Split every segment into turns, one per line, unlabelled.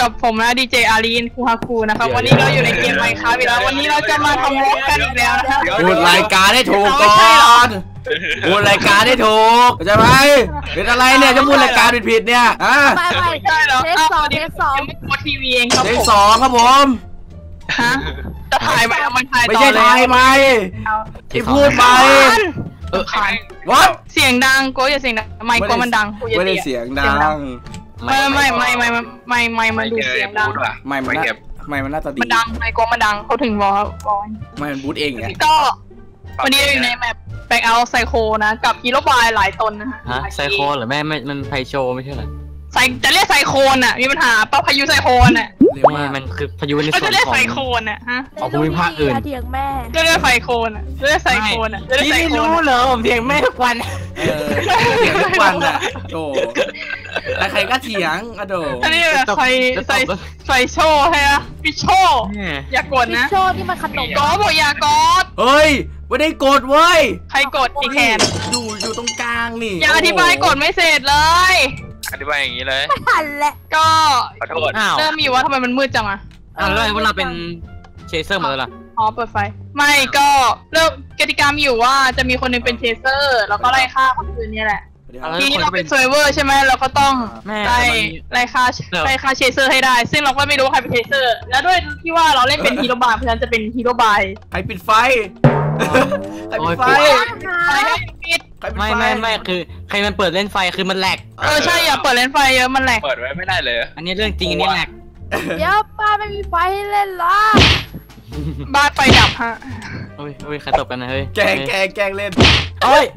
กับผมนะดีเจอารีนคูฮาคูนะครับวันนี้เราอยู่ในเกมไมค์ครับอีกแล้ววันนี้เราจะมาทำวอล์กกันอีกแล้วนะครับ
พูดรายการให้ถูกก่อนพูดรายการให้ถูกเข้าใจไหมเป็นอะไรเนี่ยจะพูดรายการผิดเนี่ย
ไม่ใช่หรอเทปสองทีวีเองครับผมเทป
2ครับผม
ฮะจะถ่ายไปเอามันถ่ายต่อ
ไม่ใช่ถ่ายไหมที่พูดไป
what เสียงดังโก้อย่าเสียงดังไมค์โก้มันดัง
ไม่ได้เสียงดัง
ไม่มันดูเสียงดัง
ไม่มันน่าจะดี
มันดังไมค์โก้มันดังเขาถึงบอก
ไม่มันบูทเองไง
ก็วันนี้อยู่ในแมปแบงค์เอาไซโคนะกับฮีโร่บายหลายตนนะ
ฮะไซโคเหรอแม่มันไพโชไม่ใช่เหรอ
จะเรียกไซโคนอ่ะมีปัญหาป่ะพายุไซโคนอ่ะ
มันคือพายุในส่วนของ
จะเรียกไซโคนอ่ะฮะ
ของภูมิภาคอื่น
เถียงแม่จะเรียกไซโคนอ่ะจะเรียกไซโคนอ่ะ
พี่ไม่รู้เหรอผมเถียงแม่ทุกวัน
เถียงทุกวันอ่ะโอ้ใครก็เถียงอะโด
อันนี้แบบใส่โชว์ให้อะพี่โชว์อย่ากดนะ
พี่โชว์นี่มันขนม
ก็บอกอย่ากด
เฮ้ยไม่ได้กดเว้ย
ใครกดอีแคน
อยู่ตรงกลางนี่
อย่าอธิบายกดไม่เสร็จเลย
อธิบายอย่างนี้เลย
ไม่ทันแหละ
ก็เริ่มมีว่าทำไมมันมืดจังอะ
แล้วพวกเราเป็นเชเซอร์หมดเลยล่ะ
อ๋อเปิดไฟไม่ก็เริ่มกติกามีอยู่ว่าจะมีคนนึงเป็นเชเซอร์แล้วก็ไล่ฆ่าคนอื่นนี่แหละทีนี้เราเป็นเซอร์เวอร์ใช่ไหมเราก็ต้องไล่ฆ่าเชเซอร์ให้ได้ซึ่งเราก็ไม่รู้ใครเป็นเชเซอร์แล้วด้วยที่ว่าเราเล่นเป็นฮีโร่บายเพราะฉะนั้นจะเป็นฮีโร่บาย
ใครปิดไฟใครปิดไฟ
ไม่คือใครมันเปิดเล่นไฟคือมันแหลก
ใช่อย่าเปิดเล่นไฟเยอะมันแหลก
เปิดไว้ไม่ได้เลย
อันนี้เรื่องจริงอันนี้แหลก
เดี๋ยวป้าไม่มีไฟให้เล่นหรอ
บ้านไฟดับฮะ
โอ้ยใครตบกันนะเฮ้ย
แกงเล่น
โอ้ย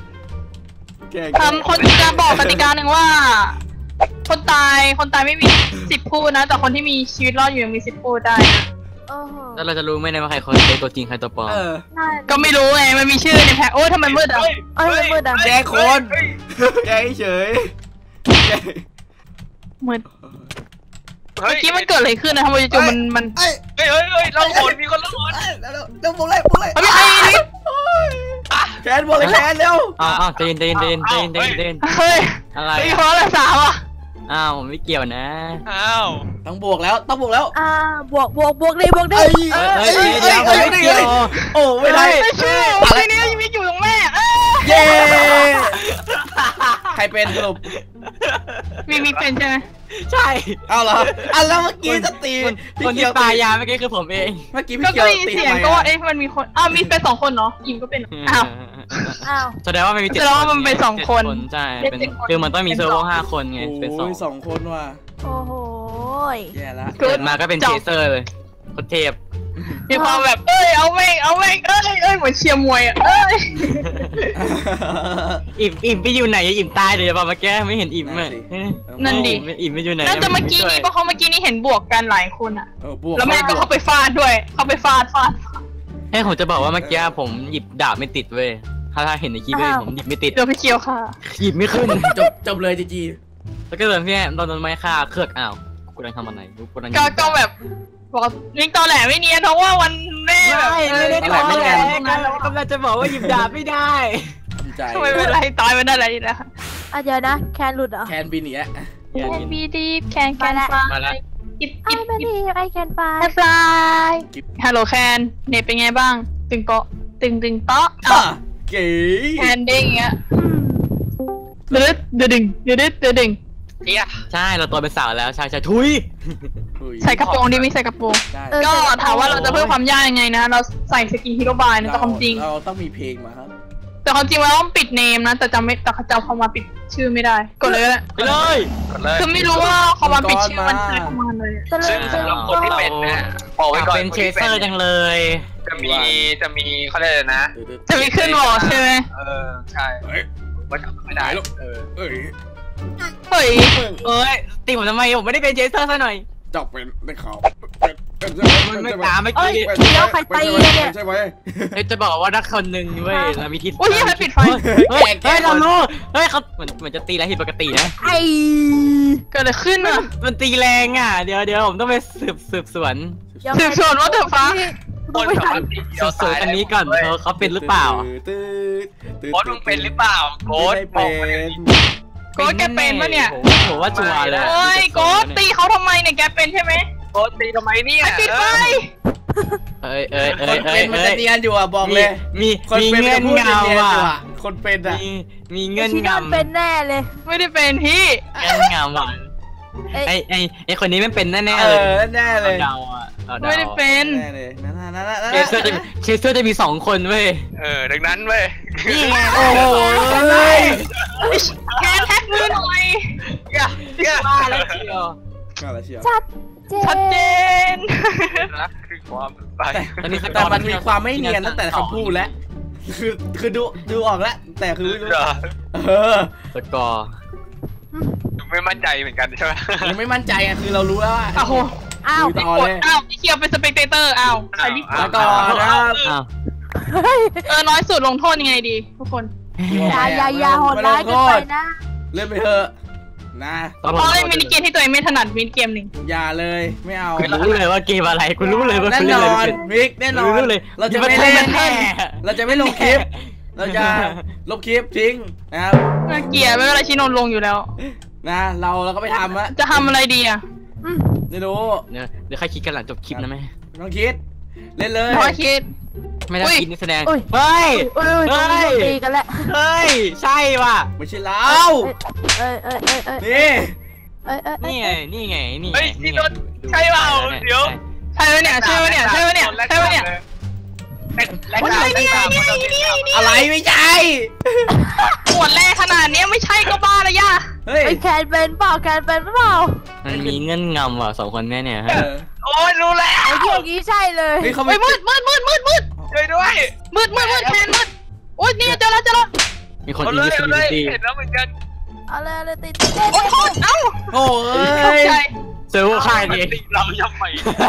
คนจะบอกกติกาหนึ่งว่าคนตายไม่มี10พูดนะแต่คนที่มีชีวิตรอดอยู่ยังมี10พูดได้นะ
แล้วเราจะรู้ไหมว่าใครคนตัวจริงใครตัวปลอม
ก็ไม่รู้ไงมันมีชื่อในแพ็คโอ้ยทำไมมืดอ่ะ
มืดอ่ะ
แกคนแกเฉย
มืดเมื่อกี้มันเกิดอะไรขึ้นนะทำไมจู่มัน
เฮ้ยเราโหดมีคนละโหด
แล้วบุกเลย
ไม่ใคร
แคนบุกเลยแคนเร็ว
เต้น
เฮ้ย
อะไร
เพราะอะไรสาวอ่ะ
ผมไม่เกี่ยวนะ
ต้องบวกแล้วบวก
ดิ
เดี๋ยวไม่เกี่ยว
โอ้ไม่ได้
อะไรนี้ยังมีอยู่ตรงแม่
เย้ใครเป็นสรุป
มีเป็นใช่ไหม
ใช่
เอาเหรอแล้วเมื่อกี้จะตี
คนที่ตายยาเมื่อกี้คือผมเอง
เมื่อกี้พี่เกียวตี
เสียงก็ว่ามันมีคนมีเป็น2คนเนาะอิมก็เป็น
แสดงว่ามันมี
แสดงว่ามันเป็น2คน
ใช่คือมันต้องมีเซิร์ฟเวอร์5 คนไงเป็น
2 คนว่ะ
โอ้โห
แย่ละ
เกิดมาก็เป็นเชเซอร์เลยคนเทพ
มีความแบบเอาแม่งเหมือนเชียร์มวย
อิ่มไปอยู่ไหนอิ่มตายเลยป่ะเมื่อกี้ไม่เห็นอิ่มเลย
นั่นดิ
อิ่มไปอยู่ไหน
น่าจะเมื่อกี้นี้เพราะเขาเมื่อกี้นี้เห็นบวกกันหลายคนอ่ะแล้วแม่ก็เข้าไปฟาดด้วยเข้าไปฟาด
ให้ผมจะบอกว่าเมื่อกี้ผมหยิบดาบไม่ติดเว้ยถ้าเห็นในคลิปเลยผมหยิบไม่ติด
เดี๋ยวพี่เคียวค่ะ
หยิบไม่ขึ้น
จบเลยจี
แล้วก็เดินพี่ตอนไม้ฆ่าเครือกกูกำลังทำอะไร
ก็แบบบอกยิงตอแหลไม่เนียนเพราะว่าวันแม่
ไม่ได้ตอแหลกำลังจะบอกว่าหยิบดาบไม่ได้
ไม่เป็นไรตายไม่ได้อะไรนะ
เดี๋ยวนะแคนหลุดเหรอ
แคนบินเนี่ย
แคนบีดีแคน
มาแล้ว
กิ๊บ
ไอแคนไป
ฮัลโหลแคนเน็ตเป็นไงบ้างตึงเตาะตึงเตาะ
เก๋
แคนเด้งเงี้ยดึง
ใช่เราตัวเป็นสาวแล้วใช่ทุย
ใส่กระโปรงดีไม่ใส่กระโปรงก็ถามว่าเราจะเพิ่มความยากยังไงนะเราใส่สกินฮีโร่บายนะแต่ความจริง
เราต้องมีเพลงมาครับ
แต่ความจริงเราต้องปิดเนมนะแต่จำพอมาปิดชื่อไม่ได้กดเลย
ไปเลย
คือไม่รู้ว่าพอมาปิดชื่อมันใช้ประมาณเลย
ซึ่งสำหรับคนที่เป็นนะบอกไว้ก่อน
เป็นเชเซอร์จังเลย
จะมีเขาเรียกอะไรนะ
จะมีขึ้นหรอใช่ไหม
ใช่ว่าจำไม่ได้
ตีผมทำไมผมไม่ได้เป็นเชเซอร์ซะหน่อย
จับเป็นได้ข่าว
มันไม่ตามไม่กี่
แล้วใครตีเนี่ย
ใช่ไหม
จะบอกว่านักคนหนึ่งเว้ยเรามีทิศ
โอ้ยใครปิดไฟ
เฮ้ยเรารู้เขาเหมือนจะตีแล้วผิดปกตินะ
เกิดอะไรขึ้นอ่ะ
มันตีแรงเดี๋ยวผมต้องไปสืบสวน
ว่าเถอะฟ้า
สืบสวนอันนี้ก่อนเขาเป็นหรือเปล่า
โค้ดมึงเป็นหรือเปล่าโค้ดบอก
โกดแกเป็นปะเนี่ย
ผมว่าชัวร์เลย
โอ้ยโกดตีเขาทำไมเนี่ยแกเป็นใช่ไหม
โกดตีทำไมเนี่ย
ไอ้ปิดไฟ
คนเป็นมันจะเนียนอยู่อ่ะบอกเลย
มี
คนเป็น
เงื่อน
พูด
เงา
เนียนอยู่
อ่ะ
อ่ะคนเป็นอ่ะ
มีเงื่อน
ชิโน
เงา
เป็นแน่เลย
ไม่ได้เป็นพี่
เงื่อนเงาอ่ะไอคนนี้ไม่เป็นแน่ๆเลย
แน่เลย
เดาอ่ะ
ไม่ได้เป็น
แน่เลยนั่น
เชสเตอร์จะมี2 คนเว้ย
ดังนั้นเว้ย
นี่ไง
โอ้โห
แกแท็กมือหน่อย
ว่าแล้วเชียว
อะไรเชียว
ชัดเจ
ชัดเจ
น
น
นะคือความไป
แต่มันมีความไม่เนียนตั้งแต่คำพูดแล้วคือดูออกแล้วแต่คือไม่รู้
สกอร์
ไม่มั่นใจเหมือนกันใช่ไหม
ยังไม่มั่นใจอ่ะคือเรารู้แล้วว่า
อ้าว
อ้าว
ต่อเลย
อ้าวพี่เคียวเป็นสเปกเตอร์อ้าวใครรีบ
แล้วก่อนนะครับ
อ้าว
น้อยสุดลงโทษยังไงดีทุกคน
อย่าโหดร้ายเกินไปนะ
เล่นไปเถอะนะ
เพราะเล่นมินิเกมที่ตัวเองไม่ถนัดมินิเกมหนึ่ง
อย่าเลยไม่เอา
กูรู้เลยว่าเกมอะไรกูรู้เลยว่า
แน่
คุณ
น
เล่นอะไร
อน
เป็น
มิกแน่นอน
รู้เลย
เราจะไม่เล่น
แน่
เราจะไม่ลงคลิป เราจะลบคลิปทิ้งนะครับ
เกลียดไม่เป็นไรชิโนนลงอยู่แล้ว
นะเราก็ไปทำอะ
จะทำอะไรดีอ่ะ
ไม่รู้
เดี๋ยวใครคิดกันหลังจบคลิปนะแม่
น้องคิดเล่นเลย
น้อยคิด
ไม่ได้คิดนี่แสดง
อุ้ย
เฮ้ย
ต้องตีกันแล้ว
เฮ้ยใช่ว่ะ
ไม่ใช่เรานี่
นี่ไงนี่ไงนี่ไง
เฮ้ยนี่โดนใช่เปล่าเดี๋ยว
ใช่ไหมเนี่ยใช่ไหมเนี่ยใช่ไหมเนี่ยใช่ไหมเนี่ย
แรกดาวแรกดาว
อะไรไม่ใช่
ปวดแรงขนาดนี้ไม่ใช่ก็บ้าละย่า
เฮ้ย
ไอ้แคนเป็นเปล่าแคนเป็นเปล่า
มันมีเงื่อนงำว่ะ2 คนแน่เนี่ยฮะ
โอ้ยรู้แล้ว
ไอ้ที่อย่างนี้ใช่เลย
นี่เขา
เฮ้
ไม่
ยมืด
ช่วยด้วย
แคนมืดโอ๊ยนี่เจอแล้ว
มีคน
เอา
อิ
เล
น
ย
ดิส
เอา
บิ
เล
ลิ
ย
ตี้
เห็นแล้วเหมือนกัน
เอาเลยติด
โอ๊ยโทษเอ้า
โอ้
ตก
ย
ใจ
เซอร์เวอร์ค่ายดิ
เรายังไม่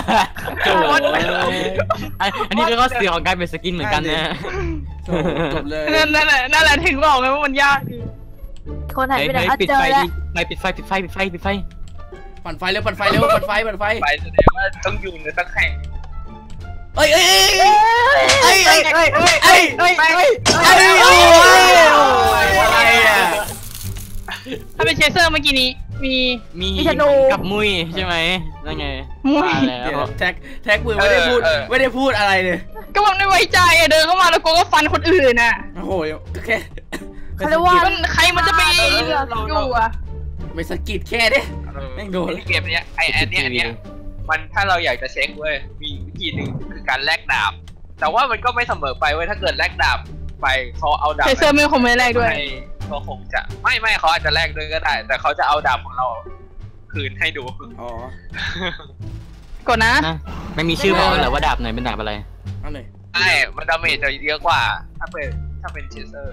อันนี้ก็เสียของการเป็นสกินเหมือนกันนะ
จบเลย
นั่นแหละถึงบอกไงว่ามันยาก
คนหายไปไหน
ปิด
เจอ
ไฟ
แล้ว
ปิดไฟ
ปั่นไฟเร็วปั่นไฟเร็วปั่นไฟ
ไปแสดงว่าต้องอยู่ในสักแห่ง
เอ้ยอะไรอ่ะ
ถ้าเป็นเชเซอร์เมื่อกี้นี้มี
กับมุ้ยใช่ไหมนั่นไงมาแล้ว
แท็กมือไม่ได้พูดอะไรเลย
ก็มันไม่ไว้ใจอะเดินเข้ามาแล้วก็ฟันคนอื่นน่ะ
โอ้โหแค่
เขาเรียกว่า
ใครมันจะไปอยู่อ่ะ
ไม่สกิดแค่ดิ แม่งโดน
เกมเนี้ยไอ้อันเนี้ยมันถ้าเราอยากจะเช็คเว้ยมีวิธีหนึ่งคือการแลกดาบแต่ว่ามันก็ไม่เสมอไปเว้ยถ้าเกิดแลกดาบไปเขาเอาดาบ
เชเซอร์ไม่คงไม่แรกด้วย
ก็คงจะไม่เขาอาจจะแลกด้วยก็ได้ แต่เขาจะเอาดาบของเราคืนให้ดู
อ๋อก
ดนะ
ไม่มีชื่อบอกเลยว่าดาบไหนเป็นดาบอะไร
เอาเลย
ใช่มันดาเมจจะเยอะกว่าถ้าเป็นเชเซอร์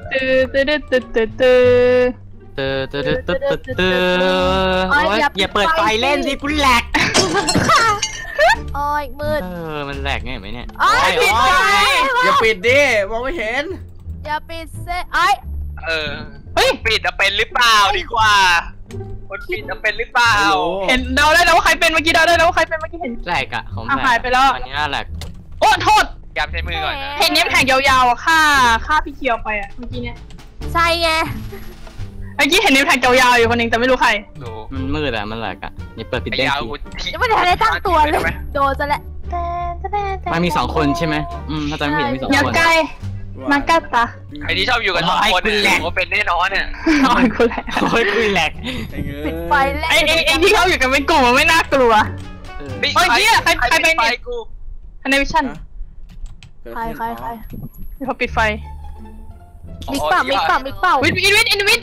อย่าเปิดไฟเล่นสิกูแหลก
โอ้ยมืด
มันแหลกไงไหมเนี่ย
โอ้ยปิดไฟ
อย่าปิดดิมองไม่เห็น
อย่าปิดเซ่ไอ้
เฮ้ยปิดจะเป็นหรือเปล่าดีกว่าคนปิดจะเป็นหรือเปล่า
เห็นเดาได้แล้วว่าใครเป็นเมื่อกี้เดาได้แล้วว่าใครเป็นเมื่อกี้เห็น
แหลกอะของ
หายไปแล้ว
อันนี้แหลก
โอ้โทษ
ย้ำใช้มือก่อนนะ
เห็นเนี้ยแผงยาวๆฆ่าพี่เคียวไปอ่ะเมื่อกี้เนี้ย
ใช่ไง
เมื่อกี้เห็นเนี้ยแผงยาวๆอยู่คนนึงแต่ไม่รู้ใคร
ดู
มันมืดอะมันแหลกอะอย่าเปิดปิด
ไอ้
ได้
ยาว
ที
ยังไม่ได้ตั้งตัวเลยโดนซะแล้ว
มันมี2 คนใช่ไหมถ้าจำไม่ผิดมี2
อย่า
คน
ใกล้มากัดตา
ใครที่ชอบอยู่กัน2 คนเนี่ยว่าเป็นแน่นอนเนี่ย
อ๋อคุณแหละ
โอ้ยคุยแหลก
ปิดไฟแล้ว
ไอ้ที่เขาอยู่กันเป็นกลุ่มมันไม่น่ากลัว เฮ้ยเหี้ยใครเป็นเนี่ย
กู
อันในวิชั่น
ใคร
เขาปิดไฟ
มิกเปล่า
วิทมีอินวิท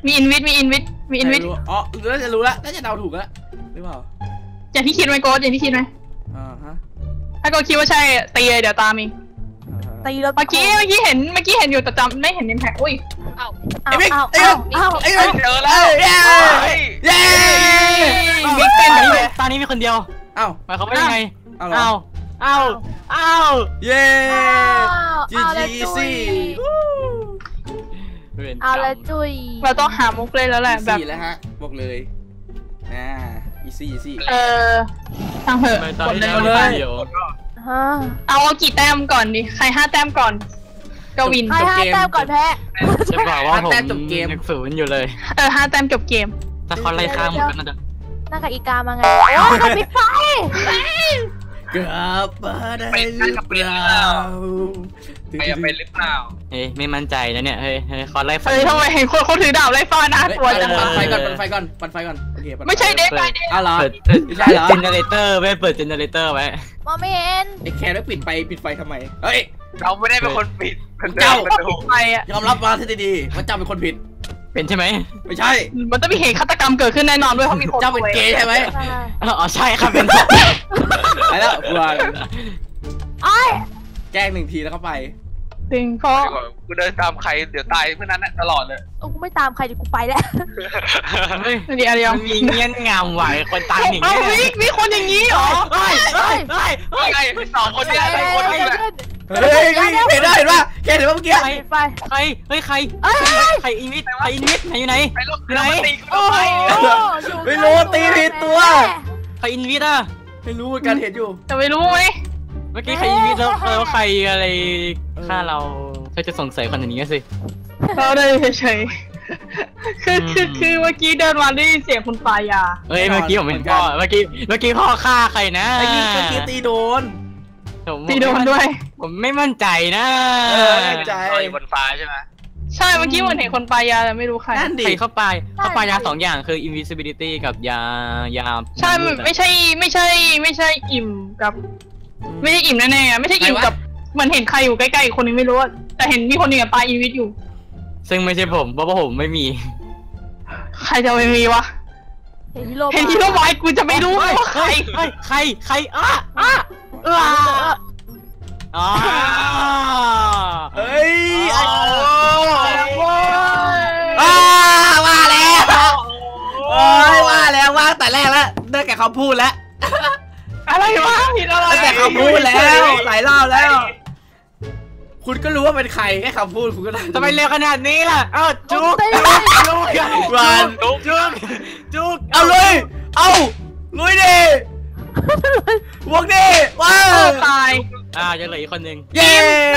อ๋อน่าจะรู้ละน่าจะเดาถูกละหรือเปล่า
อย่างที่คิดไหมโกดอย่างที่คิดไหม ถ้าโกดคิดว่าใช่ตีเลยเดี๋ยวตามเอง
ตีรถ
เมื่อกี้เห็นอยู่แต่จำไม่เห็นนิมแพ็คอุ้ย
ไอ้มิก
เอา
เจอแล้ว
เย้
มิกเป็นแบบนี้
ตอนนี้มีคนเดียว
เอ้า
หมายความว่ายังไง
เอา เย้ GGC
เอาละจุย
เราต้องหามุกเลยแล้วแหละแบบ
4แล้วฮะบอกเลยeasy
ทางเหอะ
ตอน
กด
นี้
เลย
เดียว
เอากี่แต้มก่อนดิใคร5 แต้มก่อนก็วิน
ให้5 แต้มก่อนแพ้
จะบอกว่าผม
แต้มจบเกม
0อยู่เลย
5 แต้มจบเกม
ถ้าเขาไล่ฆ่าหมดก็น่าจะ
นั่งกับอีกามาไง โอ้ยปิดไฟ
กลับมาได้หรือเปล่า
ใครจะเป็นหรือเปล่า
เฮ้ยไม่มั่นใจนะเนี่ยเฮ้ยเขาไล่ฟัน
เฮ้ยทำไมเห็นคนเขาถือดาบไล่ฟ้าน่ากลัวจัง
ปั่นไฟ
เลย
ก่อนปั่นไฟก่อนปั่นไฟก่อนโอเคปั่นฟ
ไม่ใช่เด็กไปเด็ก
อ้าวเหรอ
เปิด
ไม่ใช่เหรอ
เจเนเรเตอร์ไว้เปิดเจเนเรเตอร์ไว้
มองไม่เห็น
ไอ้แคร์แล้วปิดไฟทำไมเฮ้ย
เราไม่ได้เป็นคนปิด
เจ้า
ประตู
ไปอ่ะ
ยอมรับมาที่ดีๆว่าเจ้าเป็นคนผิด
เป็นใช่ไหม
ไม่ใช่
มันต้องมีเหตุฆาตกรรมเกิดขึ้นแน่นอนด้วยเพราะมีคน
เจ้าเป็นเกย์ใช่ไหม
อ๋อใช่ครับเป็น
ไปแล้วกลัว
ไอ้ย
แกล้ง1 ทีแล้วก็ไป
จริงเพราะ
กูเดินตามใครเดี๋ยวตายเพื่อนนั้นตลอดเลย
กูไม่ตามใครดิกูไปแล้ว
เฮ้ย
เดี๋ยว
มันมีเงี้ยนงามไหวคนตายหนึ่ง
เอา
เนี่ย
มีคนอย่างนี้เหรอ
เฮ้ยเฮ้ยเฮ้ยเฮ้ย
ไอ้2 คนเนี่ย2 คนนี่แหละ
เฮ้ยเห็นได้เห็นป่ะแกเห็นป่ะเมื่อกี้
ปิดไฟ
ใครเฮ้ยใครใครอินวิทไหนอยู่ไหน
ไอ้ลูก
ไหน
มันตีกู
โอ้
ทำไม
โห
ไม่รู้ตีผิดตัว
ใครอินวิทอ่ะ
ไม่รู้เหมือนกันเห็นอยู่
จะไม่รู้ไหม
เมื่อกี้ใครอินวิทแล้วใครอะไรฆ่าเราจะสงสัยคนอย่างนี้สิ
เราได้เฉยๆคือเมื่อกี้เดินมาได้ยินเสียงคุณปายา
เฮ้ยเมื่อกี้ผมเห็นพ่อเมื่อกี้พ่อฆ่าใครนะ
ไอ้นี่เมื่อกี้ตีโดน
ตีโดนด้วย
ผมไม่มั่นใจนะ
ใจ
อยู่บนฟ้าใช่ไหม
ใช่เมื่อกี้เหมือนเห็นคนปายาแต่ไม่รู้ใคร
นั่นดิ
ใครเข้าไปยา2 อย่างคือ invisibility กับยา
ใช่ไม่ใช่อิ่มกับ ไม่ใช่อิ่มแน่ๆไม่ใช่อิ่มกับเหมือนเห็นใครอยู่ใกล้ๆอีกคนนึงไม่รู้อะแต่เห็นมีคนหนึ่งกับปลาอีวิทอยู่
ซึ่งไม่ใช่ผมเพราะว่าผมไม่มี
ใครจะไปมีวะ
เห็นฮีโร่
เห็นที่โรบายกูจะไม่รู้ว่าใคร
ใครอ๋อ
เฮ้ย
โอ้
ว่าแล้วโอ้ยว่าแล้วว่าแต่แรกแล้วได้แก่คำพูดแล้ว
อะไรวะผิดอะไร
ได้แต่คำพูดแล้วหลายรอบแล้ว คุณก็รู้ว่าเป็นใครแค่คำพูดคุณก็ได้
ทำไมเร็วขนาดนี้ล่ะจุก
วัน
จุก
เอาเลยเอาลุยดิวงดิว้าว
ตาย
จะเหลืออีกคนนึง
เย้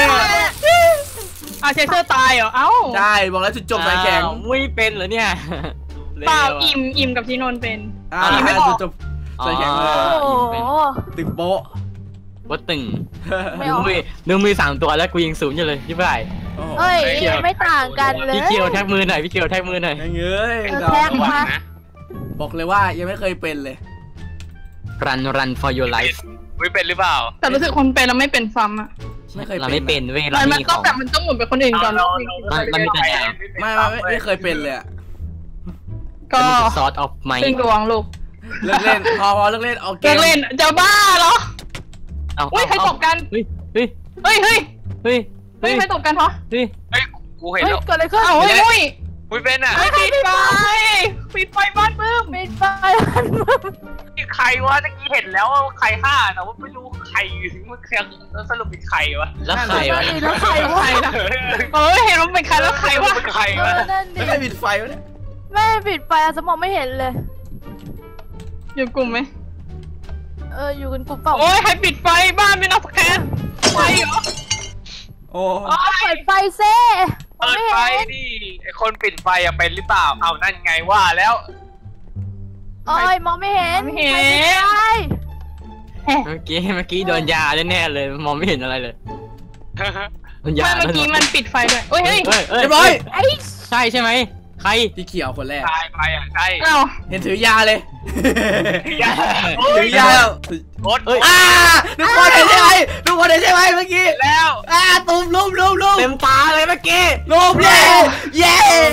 เชเซอร์ตายเหรอเอ้า
ได้บอกแล้วจุดจบสายแข็ง
ไม่เป็นเหรอเนี่ย
เปล่าอิ่มกับที่นนเป็น
จุดจบสายแข็ง
โอ้โห
ตึงโป๊ะ
ว่าตึง
ไม่ออก
นึกมือ3 ตัวแล้วกูยิง0อยู่เลยที่ไหน
เฮ้ยไม่ต่างกันเลย
พี่เกียวแท็กมือหน่อยพี่เกียวแท็กมือหน่อย
ยังเอ้ย
แท็กมา
บอกเลยว่ายังไม่เคยเป็นเลย
run for your life
ไม่เป็นหรือเปล่า
แต่รู้สึกคนเป็นแล้วไม่เป็นซ้ำอะ
ไม่เคย
เราไม่เป็นเว้ยเรา
มัน
มีข
ต้อง
อง
แบบมันต้องหมุนไปคนอื่นก่อน
มันมีแต่ดาบ
ไม่เคยเป็นเลย
ก็
ซอสออฟไม
ซึ่งดวงลูก
เลิกเล่นพอเลิกเล่นเอาเก
เลิ
ม
กเล่นจะบ้าเหรอ
เอา
อุ้ยใครตบกัน
เฮ้ย
เฮ้ยเฮ้ยใครตบกันเพราะ
เฮ้ย
เฮ้ยกูเห็น
เฮ้ย
แล้ว
เกิดอะไรขึ้น
เอ้าเฮ้ยอุ้ย
ไม่เป็นอ่ะ
ปิดไฟบ้านมึง
ปิดไฟ
ใครวะตะกี้เห็นแล้วว่าใครฆ่าแต่ว่าไม่รู้ใครมันสรุปเป็นใครวะ
แล้วใครวะ
แล้วใครวะ
ใครนะเห็นว่าเป็นใครแล้วใครวะ
เป็นใครวะ
นั่นดิ
ไม่เคยปิดไฟวะเนี่ย
แม่ปิดไฟสมองไม่เห็นเลย
อยู่กลุ่มไหม
อยู่กันกลุ่มเปล่า
โอ้ยให้ปิดไฟบ้านไม่นับสแกนไฟเหรอ
โอ้
เปิดไฟเซ่
เปิดไฟดิไอคนปิดไฟอะเป็นหรือเปล่าเอานั่นไงว่าแล้ว
โอ้ยมองไม่เห็น
ไม่เห็น
เมื่อกี้โดนยาแน่เลยมองไม่เห็นอะไรเลยโดนยา
ไม่เมื่อกี้มันปิดไฟด้วยเฮ้ย
เรียบร้อย
ไอ้
ใช่ใช่ไหมใคร
พี่เขียวคนแรก
ตายไปอ่ะใช่
เอ้า
เห็นถือยาเลย
ยา
ถือยาแล้ว
โอ๊ต
ทุกคนเห็นใช่ไหมทุกคนเห็นใช่ไหมเมื่อกี้
แล้ว
ตูมลุม
เต็มตาเลยเมื่อกี้
ลุมเย้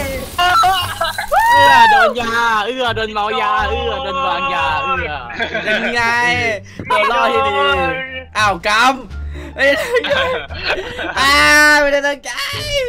โดนยาโดนเมายาโดนวางยา
เป็นไงตัวรอดที่ดีอ้าวกำไม่ได้ตั้งใจ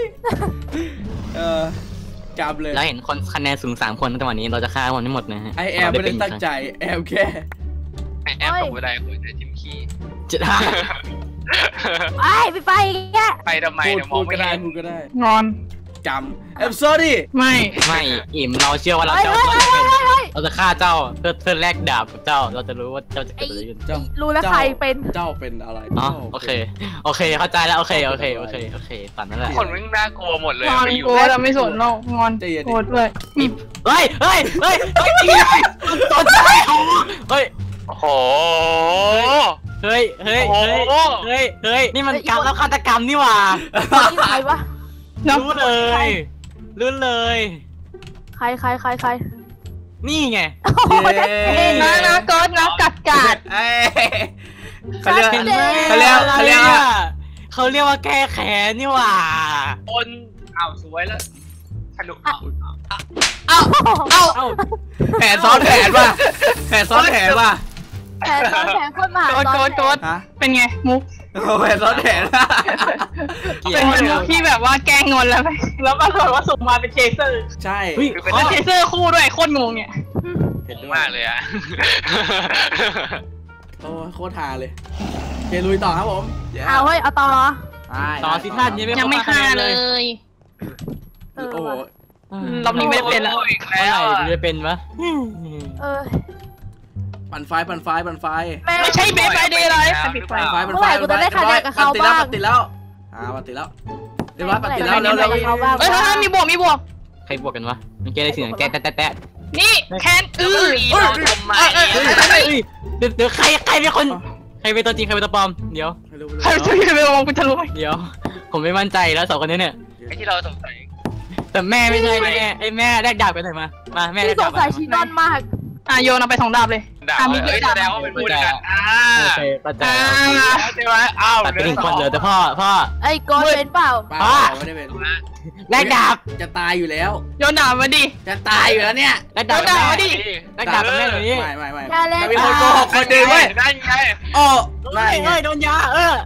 กำเลย
เราเห็นคนคะแนนสูง3 คนในวันนี้เราจะฆ่าคนทั้งหมดนะฮะ
ไอแอมไม่ได้ตั้งใจแอมแค่
แอบตกบันไดคุยแต่ทิมขี้
จะได้
ไอ้ปิดไฟแก
ไปทำไมเนี่ยม
พู
อง
ด
ไม่
ก็ได้
เห็น
พูดก็ได้
งอน
กจำ I'm sorry
ไม่อิ่มเราเชื่อว่าเราจะเราจะฆ่าเจ้าเพื่อแลกดาบกับเจ้าเราจะรู้ว่าเจ้าจะเกิดอะไรขึ้น
รู้แล้วใครเป็น
เจ้าเป็นอะไร
อ๋อโอเคเข้าใจแล้วโอเคตามนั้นแหละ
คนไม่น่ากลัวหมดเลย
งอน
ไม่อยู่
กลัวเราไม่สนเรางอนโกรธด้วยมี
เฮ้ยตอนใจเฮ้ย
โอ้โห
เฮ้ยนี่มันกรรมแล้วฆาตกรรมนี่หว่า
นี่ใครวะ
รู้เลย
ใคร
นี่ไง
นะโกดนะกัด
เขาเรียก
เขาเรียกว่าแก้แค้นนี่หว่า
คนอ้าวสวยแล้วทะลุ
เอ้าแผนซ้อนแผนว่ะแผนซ้อนแผนว่ะ
แผนคนมา
โกดเป็นไงมุก
แผนซ้อนแผน
เป็นมุกที่แบบว่าแกล้งงอนแล้วไปแล้วปรากฏว่าส่งมาเป็นเชเซอร์
ใช่
เป็นเชเซอร์คู่ด้วยโคตรงงเนี่ย
เห็นด้วย
มากเลยอะ
โอ้โคตรฮาเลยเกลุยต่อครับผม
เอาเฮ้ยเอาต่อเหรอ
ต่อสิท่าน
ยังไม่ฆ่าเลย
โอ้โห
รอบนี้ไม่เป็นแล้ว
อีก
เมื่อ
แล้ว
ไหร่จะเป็นวะ
ปั่นไฟ
ไม่ใช่เบสไฟเดย์เลยปิดไฟ
ติดแล้วปั่นติดแล้วเรียบร้อยปั่นติดแล้วเร็ว
เฮ้ยมีบวก
ใครบวกกันวะมันแก้ได้สิ่งแก้แตะ
นี่แคน
เดี๋
ยวใครเป็นคนใครเป็นตัวจริงใครเป็นตัวปลอมเดี๋ยว
ใครจะไปมองคุณทะลุไหม
เดี๋ยวผมไม่มั่นใจแล้วสองคนนี้เนี่ย
ไอ้ที่เราสงสัย
แต่แม่ไม่ใช่ไอ้แม่แลกดาบกันหน่อยมาแม่แล
ที่
ก
ส
ดาง บ
สัยชีนอนมาก
โยนเอาไป2 ดาบเลย
ด่าเลยแสดงว่าเป็นผู้ด้วยกัน
โอเคเข้าใจ
ใช่ไหมอ้าว
ตัดไป1 คนเหลือแต่พ่อ
ไอ้โกนเป็นเปล่า
ไม่ได้เป็น
แลกดาบ
จะตายอยู่แล้ว
โยนดาบมาดิ
จะตายอยู่แล้วเนี่ย
แลกดาบกับแม่ดิแลกดาบกับแม่หน่อยนี่
ไม่
อย่าเล่น
มีคนโกหกคนเดิมเว้ย
นั่นไง
โอ้ไม่
เฮ้ยโดนยา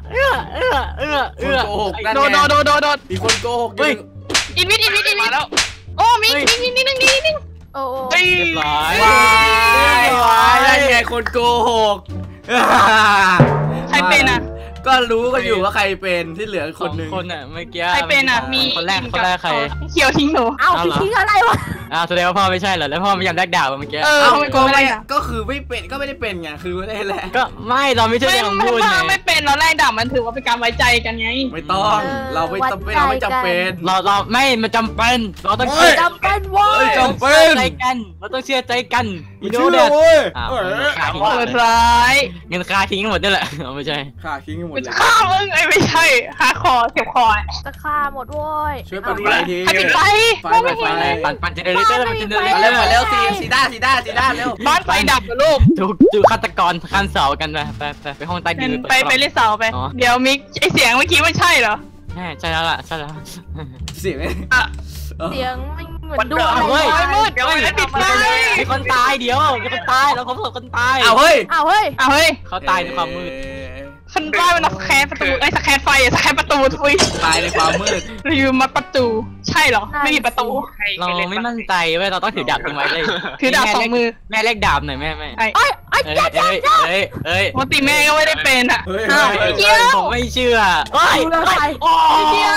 คนโกหกนั่น
โด
ไง
ด
มีคนโกหก
อีวิท
มาแล้ว
โอ้มิง
โอ้
เรียบร้อย
นั่นไงคนโกหก
ใครเป็นอ่ะ
ก็รู้กันอยู่ว่าใครเป็นที่เหลือคนนึง
คนอ่ะเมื่อกี้
ใครเป็นอ่ะมี
คนแรกใคร
เขียวทิ้งหนู
เอาทิ้งอะไรวะ
แสดงว่าพ่อไม่ใช่เหรอแล้วพ่อไม่ยอมแลกดาบเมื่อกี้
ก็คือไม่เป็นก็ไม่ได้เป็นไงคือไม่ได้แหละ
ก็ไม่เราไม่ใช่เรื่องของพูดไง
ไม่เป็นเราแรกดาบมันถือว่าเป็นการไว้ใจกันไง
ไม่ต้องเราไม่จำเป็นเราไม่จำเป็น
เราไม่มันจำเป็นเราต้อง
จำเป็นว้ย
จำเป็น
ใจกันเราต้องเชื่อใจกัน
ไม่เชื่อเว้ย
เปิดร้าย
เงินค่าทิ้งหมดนี่แหละไม่ใช่
ฆ่าทิ้งหมดเลย
ฆ่ามึงไม่ใช่หาคอเก็บคอ
จะฆ่าหมดว้ย
ช่วยปั่นไฟที
ใครปิดไฟ
ปั่นเจเนเรเตอร์ปั่นเจเนเรเตอร์
เร็วสีด้าเร็ว
บ้านไฟดับลูก
ดูฆาตกรข้ามเสากันไปห้องใต้ดิน
ไปเล่นเสาไปเดี๋ยวมิกไอเสียงเมื่อกี้มันใช่เหรอ
ใช่แล้วล่ะใช่แล้ว
เสียง
เสียงเหมือนดูอะไร
เฮ้ย
มืดเดี๋ยวปิดไฟ
มีคนตายเดี๋ยวมีคนตายเราพบคนตาย
เอาเฮ้ย
เขาตายในความมืด
คนบ้ามันสแครประตูสแครไฟสแครประตูทุย
ตายในความมืด
รีวิวมัดประตูใช่เหรอไม่มีประตู
เราไม่มั่นใจเว้ยเราต้องถือดาบทิ้งไว้เลย
ถือดาบ2 มือ
แม่เล็กดาบหน่อยแม่
เอ้ย
ปกติแม่ก็ไม่ได้เป็นอ่ะ
ผมไม่เชื่อ
โอ้เดียว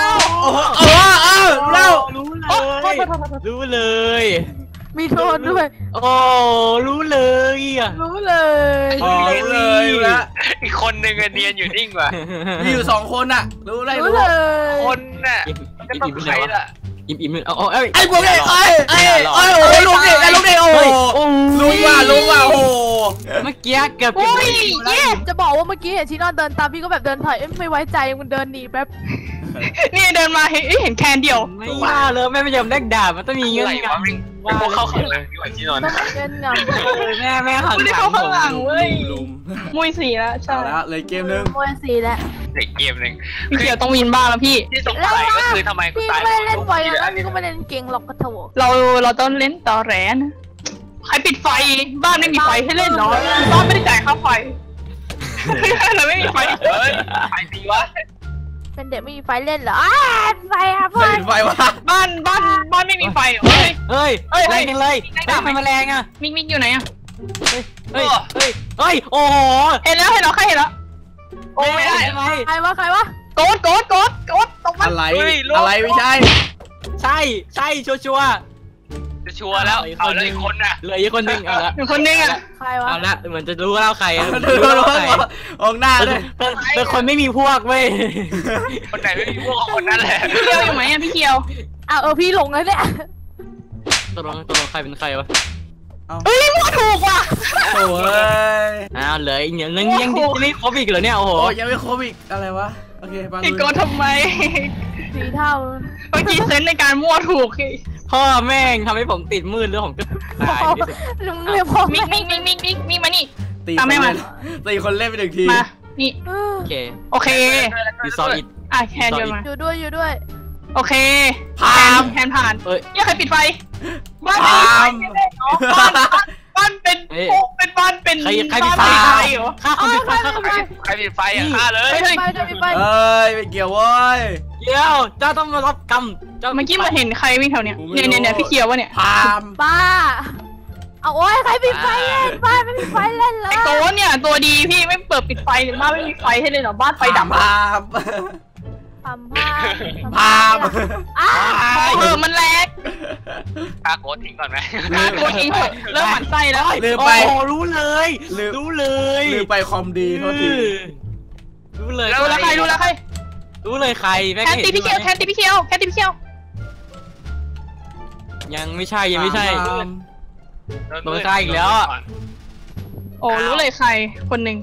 รู้เลย
มีโทษด้วย
โอ้รู้เลยอ่ะ
รู้เลย
เลยละ
อีกคนนึงเนียนอยู่นิ่งว่ะ
มีอยู่2 คนน่ะรู้เลย
คนน่ะก็ต้องใครล่ะ
อิ่ม
ไอ้พวกนี้โอ้ลุงดิโอ้ลุงว่ะโอ้
เมื่อกี้เกือบ
จะบอกว่าเมื่อกี้เห็นชีนอนเดินตามพี่ก็แบบเดินถอยไม่ไว้ใจมันเดินหนีแป๊บ
นี่เดินมาเห็นแคนเดียว
ไม่ว่าเลยแม่ไม่ยอมแลกดาบมันต้องมีเงื่อนงำ
ว่าเข้าขังเลยดีกว่าที่นอน
ต้องเงินงำ
แม่หัน
ไม่ได้เข้าข้างหลังเว้ย
ลุม
มุ้ยสีแล้วใช่
เอาละเลยเกมนึง
มวยสีแล้ว
เด็กเกมหนึ่ง
พี่เขียวต้องวินบ้างแล้วพี่
ที่สงสัยก็คือทำไมกู
พี่
ตา
ก็
ย
ไม่เล่นไฟแล้วพี่ก็ไม่เล่นเก่งหรอกกระโถ
เราต้องเล่นต่อแรนใครปิดไฟบ้านไม่มีไฟให้เล่นเนาะบ้านไม่ได้จ่ายค่าไฟเราไม่มีไฟ
เฮ้ยใครดีวะ
เป็นเด็กไม่มีไฟเล่นเหรอไฟครับพ่อ
ไฟวะ
บ้านไม่มีไฟเฮ้ย
แรงจังเลยไม่มาแรงอ่ะ
มิกอยู่ไหนอ่ะ
เฮ้ยโอ้โห
เห็นแล้วใครเห็นแล้วโอ้ไม่ได้
ใครวะ
โกดตกมัน
อะไรไม่ใช่
ใช่ชัวร์
จะชัวร์แล้วเอาเลยคนน่ะ
เหลืออีกคนนึงเอาละ
เป็นคนนึงอ่ะ
ใครวะ
เอาละเหมือนจะรู้แล้วใคร
ดูมองหน้าด้วย
เป็นคนไม่มีพวกเว้ย
คนไหนไม่มีพวกคนนั้นแหละ
พี่เคียวอยู่ไหมอ่ะพี่เคียว
พี่หลงแล้วเนี่ย
ตกลงใครเป็นใครวะ
เฮ้ยมั่วถูกว่ะ
โอ้ย
อ้าวเหลืออีกเนี่ยยังไม่ครบอีกเหรอเนี่ยโอ้โห
โอ้ยยังไม่ครบอีกอะไรวะโอเคไป
ไอ้โกทำไม
สีเท่า
เมื่อกี้เซนในการมั่วถูก
พ่อแม่งทำให้ผมติดมืดเรื่องของตาย
ลุงเรียกพ่อ
มิกมานี่
ตี
ตามแม่มา
ตีคนเล่นไปหนึ่งที
มานี่
โอเค
โอเค
ยูซออิด
อ่ะแคนโยนมา
อยู่ด้วย
โอเคแคนผ่าน
เอ้ย
ยังใครปิดไฟบ้าน
พาม
บ้านเป็นบ้านเป็น
ใครปิดไฟ
เหรอ
ฆ่าคนปิดไฟฆ่าคนปิดไฟ
ใครปิดไฟอ่ะฆ่าเลย
เฮ้ย
ไปจะไป
เอ้ยไม่เกี่ยวเว้ย
เดี๋ยวเจ้าต้องมารับกรรมเจ้า
เมื่อกี้มาเห็นใครวิ่งแถวเนี้ยเนี่ยพี่เคียววะเนี่ย
พาม
ป้าเอาโอ้ยใครปิดไฟเล่นบ้านไม่มีไฟเล่นเลย
ไอ้โกเนี่ยตัวดีพี่ไม่เปิดปิดไฟหรือบ้านไม่มีไฟให้เลยเหรอบ้านไฟดับ
พาม
ทำผ้า
พาม
มันแรง
ฆ่าโกดทิ้งก่อนไหม
โกทิ้งเถอะเริ่มหมั่นไส้แล้ว
ลืมไป
โอ้รู้เลย
ลืมไปคอมดีโทษที
รู้เลย
รู้แล้วใครรู้แล้วใคร
รู้เลยใครแม่
แคนตีพี่เคียวแคนตีพี่เคียวแคนตีพี่เคียว
ยังไม่ใช่
พาม
โดนฆ่าอีกแล้วอะ
โอ้รู้เลยใครคนหนึ่ง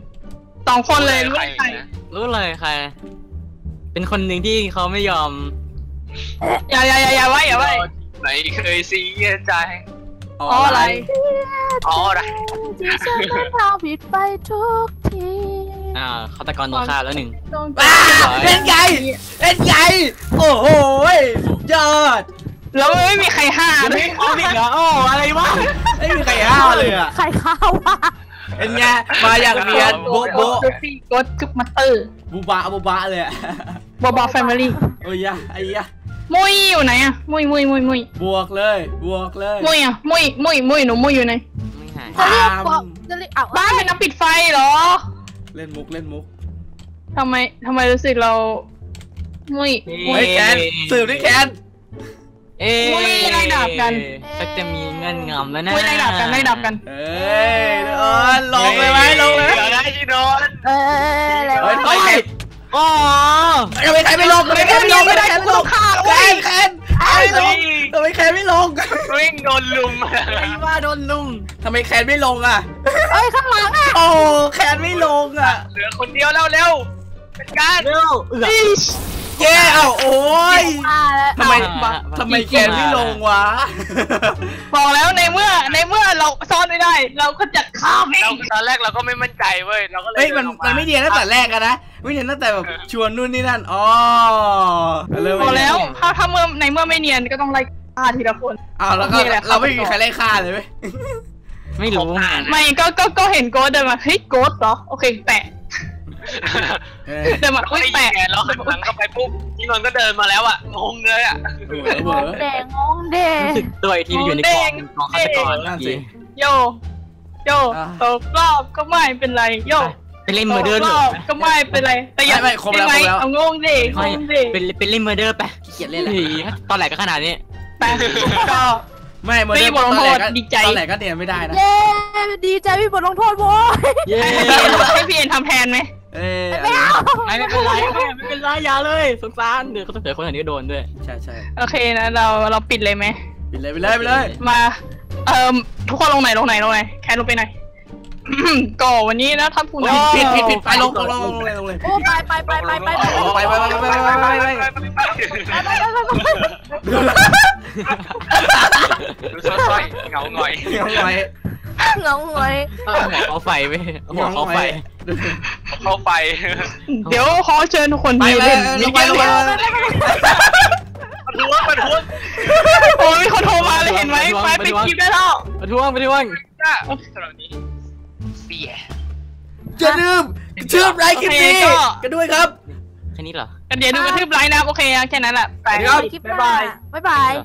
2 คนเลยรู้เลยใคร
รู้เลยใคร เป็นคนหนึ่งที่เขาไม่ยอม
อย่าไว้
ไหนเคยเสียใจ
อ๋ออะไร
อ๋ออะไร
ที่ฉันต้องทำผิดไปทุกที
ฆาตกรโดนฆ่าแล้วหนึ่ง
เป็นไงโอ้โหสุดยอด
แล้วไม่มีใครห้าม
ไม่เอาอีกเหรอโอ้อะไรวะ
ไม่มีใครห้าวเลยอ่ะ
ใครข้าววะ
เป็นไงมาอย่างเนียนโบ๊ะโบ๊ะ
กดคึบมาเตอร์
บูบะเลยอ่ะ
บอแฟมิลี่
โอ้ยะไอ้ยะ
มุยอยู่ไหนอะมุย
บวกเลย
มุยอะมุยหนูมุยอยู่ไหน
ไม่หาย
จะเรียกบอกจะเรียกเอา
บ้านเป็นน้ำปิดไฟเหรอ
เล่นมุก
ทำไมรู้สึกเรามุย
เฮ้ยแคนสืบดิแคน
ไล่ดาบกัน
ชักจะมีเงื่อนงำแล้วนะ
มุยไล่ดาบกัน
เอ้ยลงเลยไหมลงเลย
เดี๋ยวได้ชิโนน
แล้ว
เฮ้ยทำไมแคน
อ๋อ
ทำไมแคนไม่ลงไม่ได้แคนลงแคนทำไมแคนไม่ลง
วิ่งโดนลุม
ไอ้ว่าโดนลุม
ทำไมแคนไม่ลงอ่ะ
เอ้ยข้างหลังอ่ะ
โอ้แคนไม่ลงอ่ะ
เหลือคนเดียวแล้วเร็วเป็นการ
เร็ว
แย่เอ้าโอ้ย ทำไม
อ่า
ทำไมแคนไม่ลงวะ
บอกแล้วในเมื่อเราซ่อนไม่ได้ เราก็จะข้ามเอ
เรา
ง
ตอนแรกเราก็ไม่มั่นใจเว้ยเราก็เลย
เฮ้ยมันไม่เดียนตั้งแต่แรกอะนะไม่เดียนตั้งแต่แบบชวนนู่นนี่นั่นอ๋อ
บอกแล้วถ้าเมื่อในเมื่อไม่เนียนก็ต้องไล่ฆ่าทีละคน
อ้าวแล้วก็เราไม่มีใครไล่ฆ่าเลยเว้ย
ไม่รู้
ไม่ก็เห็นโกดเดินมาเฮ้ยโกดเหรอโอเคแปะเดินมา
เรา
อุ้ย
ได้ยิ
แปะ
นแกแล้วหันหลังเข้าไปปุ๊บชิโนนก็เดินมาแล้วอ่ะงงเลยอ่ะ
งงแดงงงแดง
รู้สึกตัวอีกทีอยู่ในกองฆาตกร
นั่นสิ
โยตกรอบก็ไม่เป็นไรโย
ไปเล่นเมอร์เดอร์
ตกรอบก็ไม่เป็นไรแต่อย่าเอางงดิงงดิ
เป็นเล่นเมอร์เดอร์ไป
เขียนเล่นแหละ
ตอนแหลก็ขนาดนี้
แปะก็
ไม่โมเดล
ไม่บอก
ตอนแรกก็
ดีใจ
ตอนแรกก็เนียนไม่ได้นะ
เย้ดีใจพี่บทลงโทษโว้ย
เย้
ให้พี่เอ็นทำแทนไหม
ไม่เอา
ไม่เป็นไรไม่เป็นไรอย่าเลยสงสารเดี๋ยวเขาต้องเจอคนอื่นก็โดนด้วย
ใช่
โอเคนะเราปิดเลยไหม
ไปเลย
มาทุกคนลงไหนแคนลงไปไหนก็วันนี้นะท่านผู้นำ
ผิดไปลงเลย
โอ้ไป
ดูซ้อยเงาหน่อย
เงี้ยไว้
งงหวย
หัวเขาไฟไปหัวเขาไฟ
เข้าไป
เดี๋ยวขอเชิญทุกคน
ไป
ที่
เล
เล่
ย
น
ลงไป
มันทวง
โอ้ยคนโทรมาเลยเห็นไหมไฟไปคลิปได้แล้ว
ไปท่วง
จ้าสำหรับนี้เสีย
อย่าลืมชื่อไลค์คลิปนี้กันด้วยครับ
แค่นี้เหรอ
กันเดี๋ยวดูกระทืบไลน์นะโอเคแค่นั้นแหละไป
คลิปหน้าบ๊ายบาย